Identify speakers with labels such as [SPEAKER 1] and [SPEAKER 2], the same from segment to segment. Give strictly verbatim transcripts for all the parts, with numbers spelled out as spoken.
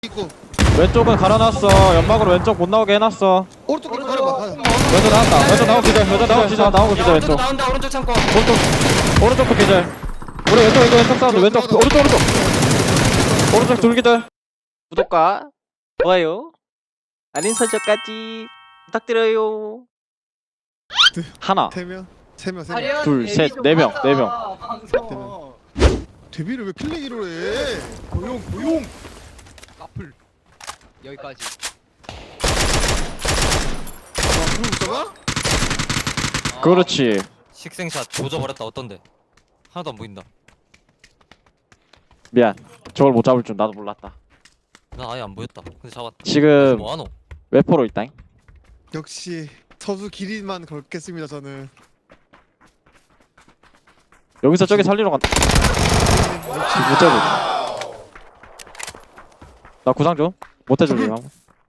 [SPEAKER 1] 있고
[SPEAKER 2] 왼쪽은 갈아놨어. 연막으로 왼쪽 못 나오게 해놨어.
[SPEAKER 1] 오른쪽 오른쪽 가려봐. 가자.
[SPEAKER 2] 왼쪽 나왔다. 왼쪽 나오고 기절. 왼쪽 나오고 기절. 나오고 기절. 왼쪽.
[SPEAKER 3] 나온다 오른쪽 창고.
[SPEAKER 2] 오른쪽. 오른쪽도 기절. 우리 왼쪽 이거 왼쪽 사운드. 왼쪽 오른쪽 오른쪽. 오른쪽 둘 기절.
[SPEAKER 3] 구독과 좋아요, 알림 설정까지 부탁드려요.
[SPEAKER 2] 하나,
[SPEAKER 1] 세 명, 세 명, 세 명.
[SPEAKER 2] 둘, 셋, 네 명, 네 명.
[SPEAKER 1] 데뷔를 왜 킬레기로 해? 고용 고용.
[SPEAKER 4] 까풀 여기까지.
[SPEAKER 1] 아, 그러고 있다가?
[SPEAKER 2] 그렇지.
[SPEAKER 3] 식생샷 조져버렸다. 어떤데? 하나도 안 보인다.
[SPEAKER 2] 미안. 저걸 못 잡을 줄 나도 몰랐다.
[SPEAKER 3] 난 아예 안 보였다. 근데 잡았다.
[SPEAKER 2] 지금
[SPEAKER 3] 뭐하노?
[SPEAKER 2] 웨포로 있다잉.
[SPEAKER 1] 역시 서수 길이만 걸겠습니다 저는.
[SPEAKER 2] 여기서 저기 살리러 간다.
[SPEAKER 1] 역시
[SPEAKER 2] 못 잡을. 나 구상 좀. 못 해줄래 형.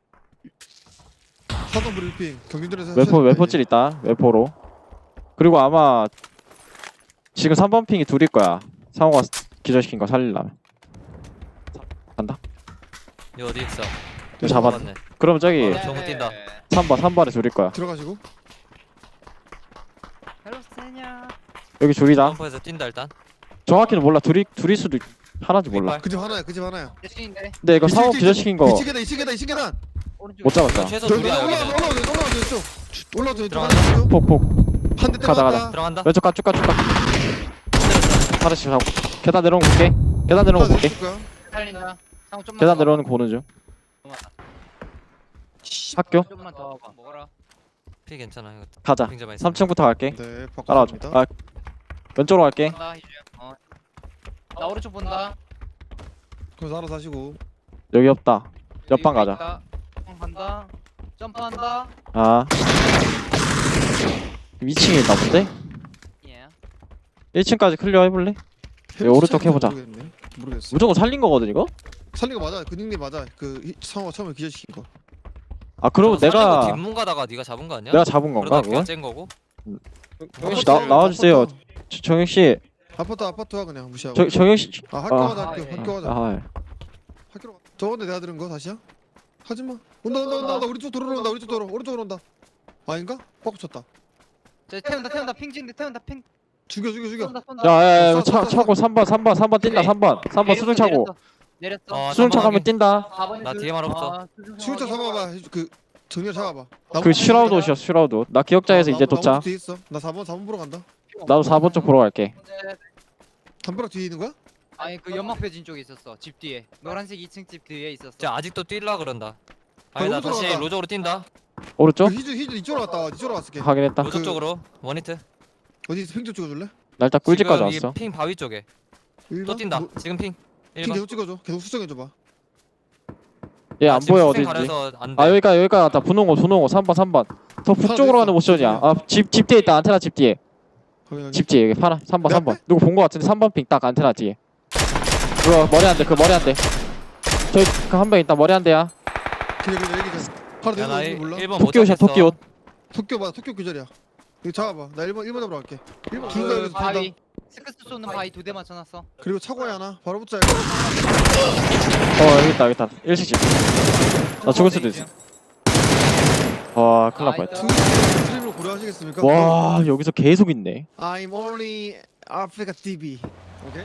[SPEAKER 1] 사전 브리핑 경기들에서
[SPEAKER 2] 웨포 웨포질 있다. 웨포로. 그리고 아마 지금 삼 번 핑이 둘일 거야. 상호가 기절시킨 거 살리려면. 간다.
[SPEAKER 3] 이 어디 있어?
[SPEAKER 2] 이거 잡았.
[SPEAKER 3] 잡았네.
[SPEAKER 2] 그럼 저기
[SPEAKER 3] 어, 정우 뛴다.
[SPEAKER 2] 삼 번 삼 번에 둘일 거야.
[SPEAKER 1] 들어가시고.
[SPEAKER 2] 여기 둘이다.
[SPEAKER 3] 점프해서 뛴다 일단.
[SPEAKER 2] 정확히는 몰라. 둘이 둘일 수도 있... 하나인지 몰라.
[SPEAKER 1] 그 집 하나야 그 집 하나야.
[SPEAKER 4] 대신인데
[SPEAKER 2] 근데 이거 상호
[SPEAKER 1] 이층,
[SPEAKER 2] 기절시킨 거
[SPEAKER 1] 이 층 계단 이 층 계단 이 층 계단.
[SPEAKER 4] 오른쪽.
[SPEAKER 2] 못 잡았다.
[SPEAKER 3] 최소
[SPEAKER 1] 저기
[SPEAKER 3] 둘이야
[SPEAKER 1] 올라와
[SPEAKER 3] 여기는.
[SPEAKER 1] 올라와 올라와 왼쪽. 올라와 왼쪽.
[SPEAKER 3] 들어간다.
[SPEAKER 2] 폭폭.
[SPEAKER 1] 한대
[SPEAKER 2] 가다,
[SPEAKER 1] 때렸다.
[SPEAKER 3] 들어간다.
[SPEAKER 2] 왼쪽 가 쭉 가 쭉 가.
[SPEAKER 3] 때렸어.
[SPEAKER 2] 하나씩 하고. 계단 내려오는 거 볼게. 계단 내려오는 거 볼게.
[SPEAKER 4] 살린다. 상호 좀만
[SPEAKER 2] 계단
[SPEAKER 4] 더
[SPEAKER 2] 내려오는 거 보는 중.
[SPEAKER 4] 와봐.
[SPEAKER 2] 학교
[SPEAKER 4] 좀만 더 와봐. 먹어라.
[SPEAKER 3] 피 괜찮아 이거.
[SPEAKER 2] 가자.
[SPEAKER 3] 핑 잡아 있어.
[SPEAKER 2] 삼 층부터 갈게.
[SPEAKER 1] 네
[SPEAKER 2] 따라와줘.
[SPEAKER 1] 바꿔줍니다.
[SPEAKER 2] 아 왼쪽으로 갈게.
[SPEAKER 4] 본다 희주야. 어. 나 오른쪽 본다.
[SPEAKER 1] 그래서 알아서 하시고.
[SPEAKER 2] 여기 없다. 옆방
[SPEAKER 4] 여기
[SPEAKER 2] 가자.
[SPEAKER 4] 있다. 옆방 간다. 점프한다.
[SPEAKER 2] 아. 이 층에 있나 본데?
[SPEAKER 4] 예.
[SPEAKER 2] 일 층까지 클리어 해볼래? 여기 오른쪽 해보자.
[SPEAKER 1] 모르겠네. 모르겠어.
[SPEAKER 2] 무조건 살린 거거든 이거?
[SPEAKER 1] 살린 거 맞아. 그 닉네임 맞아. 그 히- 상호가 처음에 기절시킨 거.
[SPEAKER 2] 아 그러면 내가
[SPEAKER 3] 뒷문 가다가 네가 잡은 거 아니야?
[SPEAKER 2] 내가 잡은 건가
[SPEAKER 3] 그러다
[SPEAKER 2] 그거?
[SPEAKER 3] 걔가 짠 거고.
[SPEAKER 2] 정영 씨 나 나와주세요. 저- 정영 씨,
[SPEAKER 1] 아파트 아파트와 그냥 무시하고.
[SPEAKER 2] 저 정영 씨.
[SPEAKER 1] 아 학교
[SPEAKER 2] 아.
[SPEAKER 1] 가자 학교
[SPEAKER 4] 아, 예.
[SPEAKER 1] 학교 가자.
[SPEAKER 2] 아,
[SPEAKER 1] 학교로 가. 저건데 내가 들은 거 다시야? 하지 마. 온다 온다 온다 온다. 우리 쪽 도로로 온다. 우리 쪽 도로. 오른쪽으로 온다. 아닌가? 꽉 붙였다.
[SPEAKER 4] 저 태운다 태운다 핑 찍는데 태운다 핑.
[SPEAKER 1] 죽여 죽여 죽여.
[SPEAKER 4] 쏜다 쏜다.
[SPEAKER 2] 야야야
[SPEAKER 1] 쏴,
[SPEAKER 2] 차
[SPEAKER 1] 쏴, 쏴,
[SPEAKER 2] 차고 삼 번 삼 번 삼 번 뛴다 삼 번 삼 번 수중 차고
[SPEAKER 4] 내렸어.
[SPEAKER 3] 어,
[SPEAKER 2] 수중 차
[SPEAKER 3] 삼 번
[SPEAKER 2] 가면
[SPEAKER 3] 확인.
[SPEAKER 2] 뛴다.
[SPEAKER 4] 사 번이
[SPEAKER 3] 나
[SPEAKER 4] 둘.
[SPEAKER 3] 뒤에 말 없어.
[SPEAKER 4] 아, 수중
[SPEAKER 1] 수유차
[SPEAKER 4] 상황
[SPEAKER 1] 잡아봐. 그 정렬 잡아봐.
[SPEAKER 2] 그 슈라우드 옷이야 슈라우드. 나 기억자에서 이제 도착.
[SPEAKER 1] 뒤에 있어. 나 사 번 사 번 보러 간다.
[SPEAKER 2] 나도 사 번 쪽 보러 갈게.
[SPEAKER 4] 네.
[SPEAKER 1] 담벼락 뒤에 있는 거야?
[SPEAKER 4] 아니 그 연막 펴진 쪽에 있었어. 집 뒤에. 노란색 이 층 집 뒤에 있었어.
[SPEAKER 3] 쟤 아직도 뛸라 그런다. 아니 나
[SPEAKER 1] 로저로
[SPEAKER 3] 다시
[SPEAKER 1] 가자.
[SPEAKER 3] 로저로 뛴다.
[SPEAKER 2] 오른쪽?
[SPEAKER 1] 그 히즈 히즈 이쪽으로 갔다 와. 이쪽으로 갔을게.
[SPEAKER 2] 확인했다.
[SPEAKER 3] 로저
[SPEAKER 1] 그-
[SPEAKER 3] 쪽으로 원히트.
[SPEAKER 1] 어디 핑좀 찍어줄래?
[SPEAKER 2] 나 일단 꿀집까지
[SPEAKER 3] 지금 이
[SPEAKER 2] 왔어.
[SPEAKER 3] 핑 바위 쪽에
[SPEAKER 1] 일
[SPEAKER 3] 또
[SPEAKER 1] 번?
[SPEAKER 3] 뛴다.
[SPEAKER 1] 뭐,
[SPEAKER 3] 지금 핑.
[SPEAKER 1] 핑
[SPEAKER 3] 일 번.
[SPEAKER 1] 계속 찍어줘. 계속 수정해줘봐.
[SPEAKER 2] 얘 안 보여
[SPEAKER 3] 생
[SPEAKER 2] 어딘지.
[SPEAKER 3] 가려서 안 돼.
[SPEAKER 2] 아 여기까지 여기까지 왔다. 분홍호 분홍호 삼 번 삼 번. 더 북쪽으로 가는 모션이야. 아집 집 뒤에 있다. 안테나 집 뒤에.
[SPEAKER 1] 확인하게.
[SPEAKER 2] 집 뒤에 여기 파라 삼 번
[SPEAKER 1] 내
[SPEAKER 2] 삼 번. 누구 본 거 같은데 삼 번 핑 딱 안테나 뒤에. 그거 머리 안 돼. 그 머리 안 돼. 저기 그 한 명 있다. 머리 안 돼야.
[SPEAKER 1] 그냥 그냥 얘기 좀. 바로
[SPEAKER 3] 야, 나
[SPEAKER 1] 내가 몰라.
[SPEAKER 3] 일 번 못
[SPEAKER 2] 토끼 옷이야
[SPEAKER 3] 잡겠어.
[SPEAKER 2] 토끼 옷.
[SPEAKER 1] 토끼 맞아. 토끼 규절이야. 이거 잡아봐. 나 일 번 일 번 잡으러 갈게. 일 번 둘다
[SPEAKER 4] 그
[SPEAKER 1] 여기서 둘다.
[SPEAKER 4] 바위. 스크스 쏘는 바위 두 대 맞춰놨어.
[SPEAKER 1] 그리고 차고에 하나. 바로 붙자 이거.
[SPEAKER 2] 어 여기 있다 여기 있다. 일식집. 나 죽을 수도 있어. 와 큰일 날 뻔했다.
[SPEAKER 1] 투 스트림으로 고려하시겠습니까?
[SPEAKER 2] 와 여기서 계속 있네.
[SPEAKER 1] I'm only Africa 티비. 오케이?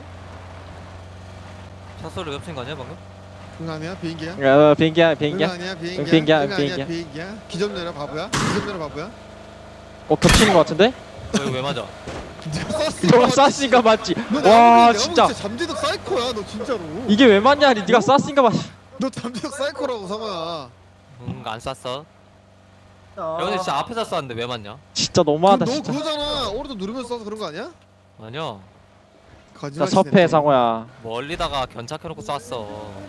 [SPEAKER 3] 차 소리 웹친 거 아니야 방금?
[SPEAKER 1] 응 아니야 비행기야?
[SPEAKER 2] 야 비행기야
[SPEAKER 1] 응
[SPEAKER 2] 비행기야.
[SPEAKER 1] 아니야 비행기야?
[SPEAKER 2] 응, 비행기야,
[SPEAKER 1] 응 아니야
[SPEAKER 2] 비행기야.
[SPEAKER 1] 비행기야? 기점 내려 바보야? 기점 내려 바보야?
[SPEAKER 2] 어 겹치는 거 같은데?
[SPEAKER 3] 너 이거 왜 맞아?
[SPEAKER 1] 네가 쐈으니까
[SPEAKER 2] 너가
[SPEAKER 1] 맞지.
[SPEAKER 2] 쐈으니까 맞지.
[SPEAKER 1] 너
[SPEAKER 2] 와
[SPEAKER 1] 내가
[SPEAKER 2] 진짜
[SPEAKER 1] 진짜 잠재적 사이코야 너 진짜로.
[SPEAKER 2] 이게 왜 맞냐? 아니 네가 쐈으니까 맞.
[SPEAKER 1] 너 잠재적 사이코라고 상아야.
[SPEAKER 3] 응안 쐈어. 야 근데 진짜 앞에서 쐈는데 왜 맞냐?
[SPEAKER 2] 진짜
[SPEAKER 1] 그럼
[SPEAKER 2] 너무하다
[SPEAKER 1] 너
[SPEAKER 2] 진짜.
[SPEAKER 1] 그거잖아. 오른쪽 누르면서 쏴서 그런 거 아니야?
[SPEAKER 3] 아니야.
[SPEAKER 2] 나
[SPEAKER 1] 거짓말.
[SPEAKER 2] 섭해 상호야.
[SPEAKER 3] 멀리다가 견착해놓고 쐈어.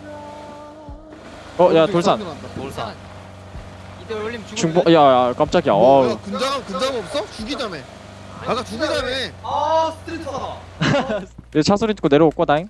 [SPEAKER 2] 어 야 돌산.
[SPEAKER 3] 돌산.
[SPEAKER 4] 이대 올림 죽을.
[SPEAKER 2] 중보. 야야 깜짝이야.
[SPEAKER 1] 뭐, 야,
[SPEAKER 2] 어.
[SPEAKER 1] 군장 군장 없어? 죽이자며. 아까 죽이자며.
[SPEAKER 4] 아 스트레스하다.
[SPEAKER 2] 이제 차 소리 듣고 내려올 거다잉.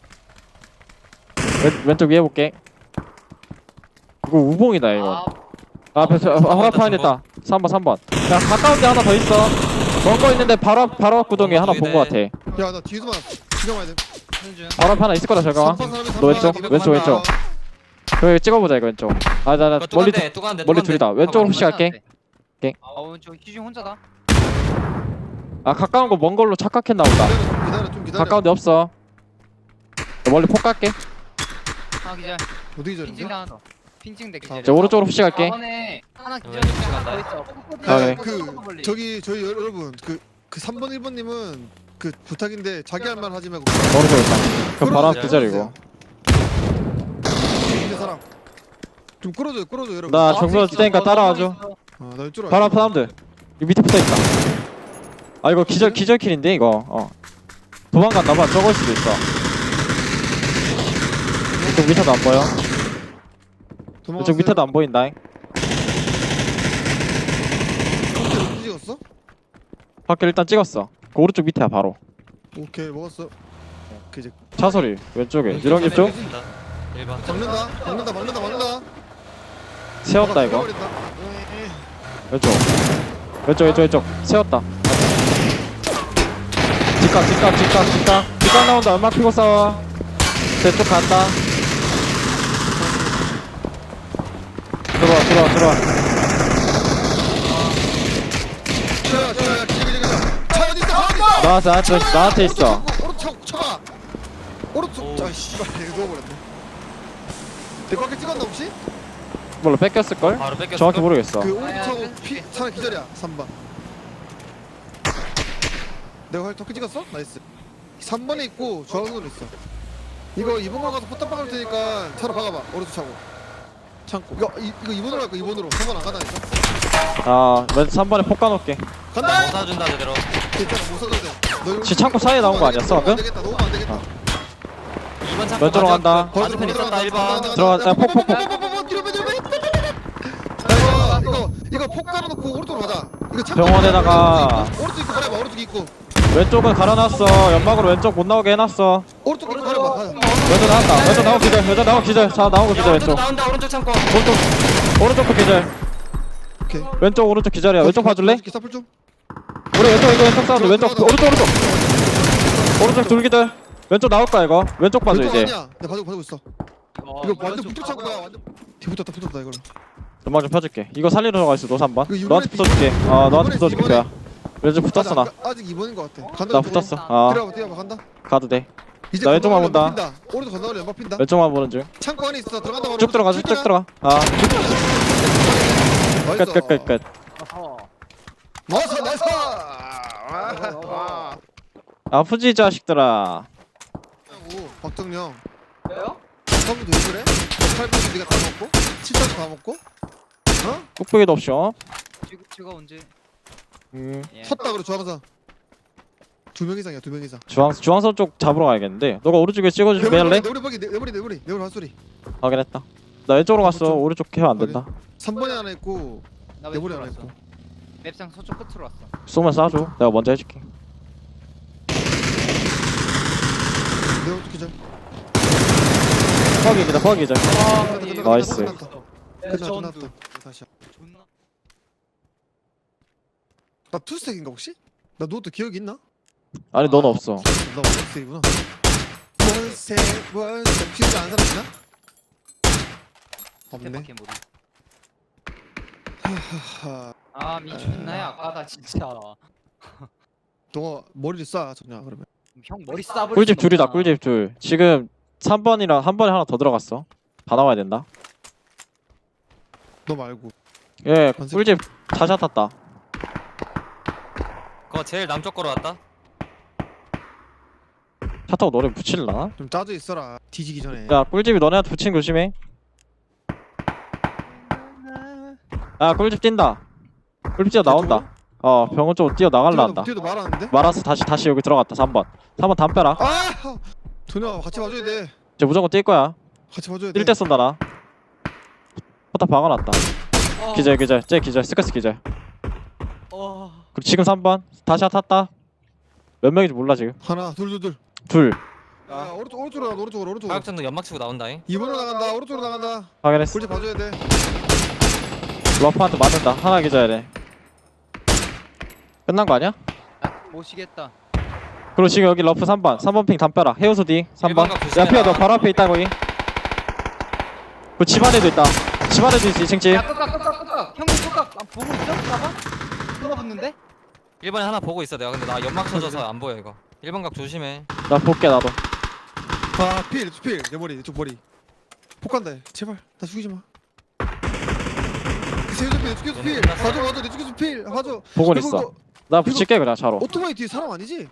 [SPEAKER 2] 왼 왼쪽 위에 볼게. 이거 우봉이다 이거. 아, 앞에 저 허락판 있다. 삼 번 삼 번. 야 가까운데 하나 더 있어. 먼 거 있는데 바로 앞 바로 앞 구동에 하나 본 거 같아.
[SPEAKER 1] 야 나 뒤에서만 기정 와야 돼.
[SPEAKER 4] 하는 중.
[SPEAKER 2] 바로 앞에 하나 있을 거다 저거.
[SPEAKER 1] 삼 번 사람이
[SPEAKER 2] 너 왼쪽
[SPEAKER 1] 삼 번
[SPEAKER 2] 왼쪽 왼쪽. 그래 찍어보자 이거 왼쪽. 아나 나
[SPEAKER 3] 그거
[SPEAKER 2] 멀리
[SPEAKER 3] 뚜간데 뚜간데
[SPEAKER 2] 멀리 둘이다. 왼쪽으로 푸시 갈게. 오케이.
[SPEAKER 4] 어 왼쪽 희중 혼자다.
[SPEAKER 2] 아 가까운 거 먼 걸로 착각했나 보다.
[SPEAKER 1] 기다려 좀 기다려 좀 기다려.
[SPEAKER 2] 가까운 데 없어. 나 멀리 폭 갈게.
[SPEAKER 4] 하나 기절.
[SPEAKER 1] 어디
[SPEAKER 4] 핑
[SPEAKER 1] 기다린데?
[SPEAKER 4] 찍 하나 더. 핑 찍대 기절.
[SPEAKER 2] 저 오른쪽으로 푸시 갈게.
[SPEAKER 4] 번에 하나 기절.
[SPEAKER 3] 왼쪽 푸시 간다.
[SPEAKER 4] 더 있어.
[SPEAKER 2] 아, 네.
[SPEAKER 1] 그 저기 저희 여- 여러분 그 그 삼 번 일 번님은 그 부탁인데 자기 할 말 하지 말고
[SPEAKER 2] 오른쪽 있다. 그럼 바로
[SPEAKER 3] 끌어주세요.
[SPEAKER 2] 기절이고.
[SPEAKER 1] 있는 사람 좀 끌어줘요 끌어줘요 여러분.
[SPEAKER 2] 나 정면 줄 테니까 따라와줘.
[SPEAKER 1] 아, 나 이쪽으로
[SPEAKER 2] 바로
[SPEAKER 1] 갈게.
[SPEAKER 2] 앞에 사람들. 이 밑에 붙어 있다. 아 이거 기절 기절 킬인데 이거. 어. 도망갔나봐. 저걸 수도 있어. 이쪽 밑에도 안 보여.
[SPEAKER 1] 도망갔어요.
[SPEAKER 2] 이쪽 밑에도 안 보인다.
[SPEAKER 1] 어떻게 어디 찍었어?
[SPEAKER 2] 밖에 일단 찍었어. 그 오른쪽 밑에야 바로.
[SPEAKER 1] 오케이 먹었어. 그 이제
[SPEAKER 2] 차 소리 왼쪽에. 유령 집 쪽.
[SPEAKER 3] 일 번.
[SPEAKER 1] 막는다 막는다 막는다 막는다.
[SPEAKER 2] 세웠다 이거.
[SPEAKER 1] 막아버린다. 에이,
[SPEAKER 2] 왼쪽. 왼쪽 왼쪽 왼쪽. 세웠다. 뒷각 뒷각 뒷각 뒷각. 뒷각 나온다. 얼마 피고 싸워. 저쪽 간다. 들어와 들어와 들어와.
[SPEAKER 1] 저야 저야 기자 기자 기자. 차 어디 있어? 차 어디 있어?
[SPEAKER 2] 나한테 나한테 나한테 있어.
[SPEAKER 1] 오른쪽 차가. 오른쪽 차 씨발 이거 누워버렸네. 내 밖에 찍었나 혹시?
[SPEAKER 2] 몰라 뺏겼을 걸?
[SPEAKER 3] 바로 뺏겼어.
[SPEAKER 2] 정확히 모르겠어.
[SPEAKER 1] 그
[SPEAKER 4] 아, 야,
[SPEAKER 1] 오른쪽
[SPEAKER 4] 그-
[SPEAKER 1] 피 차라리 기절이야 삼 번. 내가 활 덕크 찍었어? 나이스. 삼 번에 있고 좌우으로 있어. 이거 이 번으로 가서 포탑 박을 테니까 차로 박아봐. 오른쪽 차고. 창고. 이거 이, 이거 이 번으로 갈 거야. 이 번으로. 삼 번 안 가다니까.
[SPEAKER 2] 아, 왼 삼 번에 폭 까놓을게.
[SPEAKER 1] 간다.
[SPEAKER 3] 못 사준다 제대로.
[SPEAKER 1] 괜찮아 못 써도 돼. 너 이거
[SPEAKER 2] 지 창고 사이에 나온 거 아니었어,
[SPEAKER 1] 너무 안
[SPEAKER 2] 방금?
[SPEAKER 1] 되겠다. 너무 안 되겠다.
[SPEAKER 2] 어.
[SPEAKER 3] 이 번 창고
[SPEAKER 2] 왼쪽으로
[SPEAKER 3] 맞아.
[SPEAKER 2] 간다.
[SPEAKER 3] 그 맞은편 있었다 일 번.
[SPEAKER 2] 들어가, 야, 폭, 폭, 폭.
[SPEAKER 1] 뒤로 빼 뒤로 빼. 이거 이거 이거 폭 깔아놓고 오른쪽으로 가자. 이거 창고
[SPEAKER 2] 병원에다가
[SPEAKER 1] 오른쪽 입구 가려봐. 오른쪽 입구.
[SPEAKER 2] 왼쪽은 갈아놨어. 연막으로 왼쪽 못 나오게 해놨어.
[SPEAKER 1] 오른쪽 입구 가려봐. 가자.
[SPEAKER 2] 왼쪽 나왔다. 왼쪽 나오고 기절. 왼쪽 나오고 기절. 자, 나오고
[SPEAKER 3] 야
[SPEAKER 2] 기절
[SPEAKER 3] 오른쪽
[SPEAKER 2] 왼쪽.
[SPEAKER 3] 나온다 오른쪽 창고.
[SPEAKER 2] 오른쪽, 오른쪽도 기절.
[SPEAKER 1] 오케이.
[SPEAKER 2] 왼쪽, 오른쪽 기절이야. 왼쪽 봐줄래?
[SPEAKER 1] 사풀 좀.
[SPEAKER 2] 우리 왼쪽 이거 왼쪽 사운드. 왼쪽, 오른쪽, 오른쪽. 오른쪽 둘 기절. 왼쪽 나올 거야 이거. 왼쪽 봐줘
[SPEAKER 1] 왼쪽
[SPEAKER 2] 이제.
[SPEAKER 1] 아니야. 내가 봐주고 봐주고 있어.
[SPEAKER 4] 어,
[SPEAKER 1] 이거 완전 붙어 차고 가. 완전 뒤 붙었다 붙었다 이걸로.
[SPEAKER 2] 연막 좀 펴줄게. 이거 살리러 들어가 있어. 노 삼 번.
[SPEAKER 1] 이거 이번에
[SPEAKER 2] 너한테 붙어줄게. 아, 너한테
[SPEAKER 1] 이번에
[SPEAKER 2] 붙어줄게.
[SPEAKER 1] 이번에.
[SPEAKER 2] 야. 왼쪽 붙었어 나.
[SPEAKER 1] 아직, 아직 이 번인 것 같아. 간다.
[SPEAKER 2] 나 붙었어. 아,
[SPEAKER 1] 뛰어봐 뛰어봐 간다.
[SPEAKER 2] 가도 돼.
[SPEAKER 1] 이제
[SPEAKER 2] 나 왼쪽만
[SPEAKER 1] 건너가려
[SPEAKER 2] 본다.
[SPEAKER 1] 연막 핀다. 오른쪽 건너가려 연막 핀다.
[SPEAKER 2] 왼쪽만 보는 중.
[SPEAKER 1] 창고 안에 있어. 들어간다. 바로.
[SPEAKER 2] 쭉 들어가, 쭉
[SPEAKER 1] 출근해.
[SPEAKER 2] 들어가. 아,
[SPEAKER 1] 나이스.
[SPEAKER 2] 끝, 끝, 끝, 끝.
[SPEAKER 4] 어허.
[SPEAKER 1] 나이스 나이스. 아,
[SPEAKER 2] 아프지 이 자식들아.
[SPEAKER 1] 오, 박정영.
[SPEAKER 4] 왜요?
[SPEAKER 1] 처음부터 왜 그래? 팔 번 네가 다 먹고, 칠 번 다 먹고, 어?
[SPEAKER 2] 꾹꾹이도 없이 어?
[SPEAKER 4] 지금 제가 언제?
[SPEAKER 2] 음.
[SPEAKER 4] 예.
[SPEAKER 1] 섰다 그래 주황사. 두 명 이상이야 두 명 이상.
[SPEAKER 2] 주황, 주황선 쪽 잡으러 가야겠는데. 너가 오른쪽에 찍어주면 할래?
[SPEAKER 1] 내우리 버기 내우리 내우리 내우리 한소리.
[SPEAKER 2] 확인했다. 나 왼쪽으로 갔어.
[SPEAKER 1] 좀-
[SPEAKER 2] 오른쪽 해면 안 된다.
[SPEAKER 1] 삼 번에 하나 있고
[SPEAKER 4] 나
[SPEAKER 1] 내부리
[SPEAKER 4] 왼쪽으로
[SPEAKER 1] 하나
[SPEAKER 4] 왔어.
[SPEAKER 1] 있고.
[SPEAKER 4] 맵상 서쪽 끝으로 왔어.
[SPEAKER 2] 쏘면 쏴줘. 내가 먼저 해줄게.
[SPEAKER 1] 내 오른쪽 기절.
[SPEAKER 2] 퍼기기다, 퍼기기자.
[SPEAKER 4] 아,
[SPEAKER 2] 나이스.
[SPEAKER 1] 끝났다. 끝났다 끝났다. 다시.
[SPEAKER 4] 존나.
[SPEAKER 1] 나 투스택인가 혹시? 나 너도 기억이 있나?
[SPEAKER 2] 아니, 넌 없어.
[SPEAKER 1] 나 원스택이구나. 원스택 원스택 퓨즈 안 사람 있나? 없네.
[SPEAKER 4] 스텝밖에 모르.
[SPEAKER 1] 하,
[SPEAKER 4] 아 미쳤나요? 아까다 진짜.
[SPEAKER 1] 너가 머리를 쏴 정냐 그러면.
[SPEAKER 4] 형 머리 싸버리.
[SPEAKER 2] 꿀집 둘이다, 꿀집 둘. 지금 삼 번이랑 한 번에 하나 더 들어갔어. 다 나와야 된다.
[SPEAKER 1] 너 말고.
[SPEAKER 2] 예, 꿀집 자샷 탔다.
[SPEAKER 3] 그거 제일 남쪽 거로 왔다.
[SPEAKER 2] 차 타고 너네 붙일라나?
[SPEAKER 1] 좀 짜져 있어라. 뒤지기 전에.
[SPEAKER 2] 야, 꿀집이 너네한테 붙이는 거 조심해. 아, 꿀집 뛴다. 꿀집 뛰어 나온다. 어, 병원 쪽으로 뛰어 나갈라 한다.
[SPEAKER 1] 뒤에도 말하는데?
[SPEAKER 2] 말아서 다시 다시 여기 들어갔다. 삼 번. 삼 번 담 빼라.
[SPEAKER 1] 아! 도녀 같이 봐줘야 돼.
[SPEAKER 2] 이제 무조건 뛸 거야.
[SPEAKER 1] 같이 봐줘야 돼.
[SPEAKER 2] 뛸 때 쏜다 나. 포탑 박아놨다.
[SPEAKER 4] 어.
[SPEAKER 2] 기절 기절. 쟤 기절. 스커스 기절.
[SPEAKER 4] 어.
[SPEAKER 2] 그리고 지금 삼 번. 다시 탔다. 몇 명인지 몰라 지금.
[SPEAKER 1] 하나, 둘, 둘, 둘.
[SPEAKER 2] 둘.
[SPEAKER 1] 야, 오른쪽, 오른쪽으로 나가, 오른쪽으로, 오른쪽으로.
[SPEAKER 3] 화약전도 연막 치고 나온다잉.
[SPEAKER 1] 이번으로 나간다, 오른쪽으로 나간다.
[SPEAKER 2] 확인했어.
[SPEAKER 1] 꿀집 봐줘야 돼.
[SPEAKER 2] 러프한테 맞는다. 하나 기절야 돼. 끝난 거 아니야?
[SPEAKER 4] 모시겠다.
[SPEAKER 2] 그리고 지금 여기 러프 삼 번. 삼 번 핑 담 빼라. 해우소 뒤. 삼 번.
[SPEAKER 3] 일반가
[SPEAKER 2] 야 피어 너
[SPEAKER 3] 조심해라.
[SPEAKER 2] 바로 앞에 있다 거기. 그 집안에도 있다. 집안에도 있지 층집.
[SPEAKER 4] 야 끄까 끄까 끄까 형님 끄까 아, 보고 있어? 봐봐 끄가 붙는데?
[SPEAKER 3] 일 번에 하나 보고 있어 내가. 근데 나 연막 쳐져서 안 보여 이거. 일 번 각 조심해.
[SPEAKER 2] 나 볼게 나도.
[SPEAKER 1] 아필필내 머리 내 쪽 머리 폭간다 얘. 제발 나 죽이지 마 세우자 필 죽여서 필 가져 가져 내 죽여서 필 가져
[SPEAKER 2] 보고
[SPEAKER 1] 그리고
[SPEAKER 2] 있어.
[SPEAKER 1] 그거
[SPEAKER 2] 나 붙일게 그냥 차로.
[SPEAKER 1] 오토바이 뒤에 사람 아니지?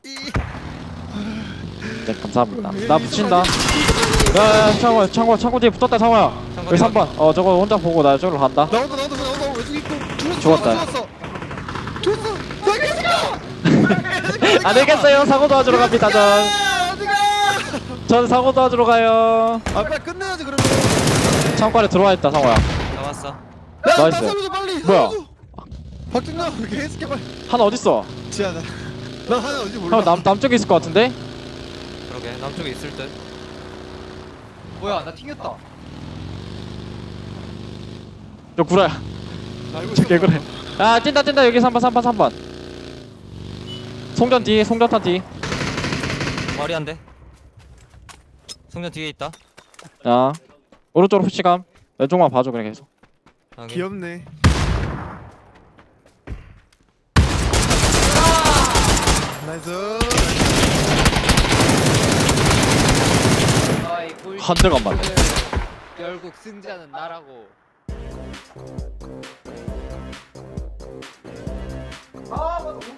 [SPEAKER 2] 네 감사합니다. 나 붙인다. 야야 창호 창호 창호 뒤에 붙었다 창호야. 여기 삼 번. 어 저거 혼자 보고 나 저기로 간다.
[SPEAKER 1] 나온다 나온다 나온다 왼쪽 있고 죽었어
[SPEAKER 2] 죽었다.
[SPEAKER 1] 죽었어 죽었어 나겠어
[SPEAKER 2] 안 되겠어요. 사고 도와주러 갑니다 전.
[SPEAKER 1] 어디가
[SPEAKER 2] 전 사고 도와주러 가요.
[SPEAKER 1] 아 빨리 끝내야지 그러면
[SPEAKER 2] 창고 안에 들어와 있다 상호야.
[SPEAKER 3] 잡았어.
[SPEAKER 1] 야나
[SPEAKER 2] 나이스.
[SPEAKER 1] 살려줘 빨리
[SPEAKER 2] 뭐야?
[SPEAKER 1] 살려줘. 박준나 왜 개새끼 빨리
[SPEAKER 2] 하나 어딨어?
[SPEAKER 1] 지하다 난 하나 어디 몰라
[SPEAKER 2] 형 남, 남쪽에 있을 것 같은데?
[SPEAKER 3] 그러게 남쪽에 있을 듯.
[SPEAKER 4] 뭐야 나 튕겼다
[SPEAKER 2] 저 구라야.
[SPEAKER 1] 알고
[SPEAKER 2] 저
[SPEAKER 1] 있어.
[SPEAKER 2] 개구래. 야 뛴다 뛴다 여기 삼 번 삼 번 삼 번. 송전 뒤 송전탄 뒤.
[SPEAKER 3] 머리 한 대. 승전 뒤에 있다.
[SPEAKER 2] 야 오른쪽으로 푸시감. 왼쪽만 봐줘 그냥 계속.
[SPEAKER 3] 여기.
[SPEAKER 1] 귀엽네 나이스
[SPEAKER 4] 아이 꿀
[SPEAKER 2] 한 대가 안 맞네.
[SPEAKER 4] 결국 승자는 나라고
[SPEAKER 1] 아 맞아